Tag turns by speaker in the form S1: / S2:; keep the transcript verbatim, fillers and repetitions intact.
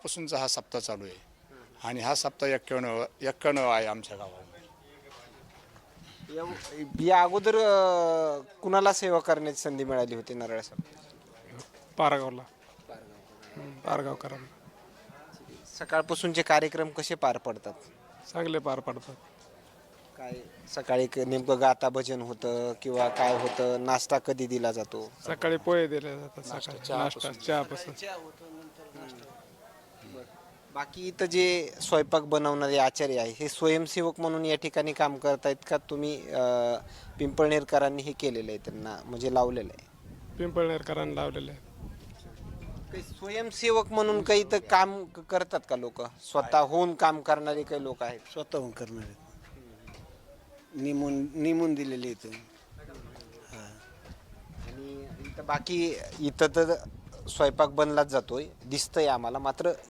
S1: सकाळपासूनचा हा सप्ताह चालू आहे आणि हा सप्ताह एक्क्याण्णव एक्क्याण्णव आहे आमच्या गावामध्ये.
S2: या- या अगोदर अ, कुणाला सेवा करण्याची संधी मिळाली होती नारळासाठी?
S3: पारगावला पारगावकरांना
S2: सकाळपासूनचे कार्यक्रम कसे पार पडतात?
S3: चांगले पार पडतात.
S2: काय सकाळी क- नेमकं गाता भजन होतं किंवा काय होतं? नाश्ता कधी दिला जातो?
S3: सकाळी पोहे दिले जातात, सकाळी नाश्ता चहापासून.
S2: बाकी इथं जे स्वयंपाक बनवणारे आचार्य आहे हे स्वयंसेवक म्हणून या ठिकाणी काम करतायत का तुम्ही अ, पिंपळनेरकरांनी हे केलेलं आहे, त्यांना म्हणजे लावलेलं आहे?
S3: पिंपळनेरकरांना लावलेले आहेत.
S2: काही स्वयंसेवक म्हणून काही तर काम क- करतात का लोक? स्वतःहून काम करणारे काही लोक आहेत?
S4: स्वतःहून करणार आहेत. नेमून नेमून दिलेले इथं.
S2: आणि इथं बाकी इथं तर स्वयंपाक बनलाच जातोय दिसतंय आम्हाला, मात्र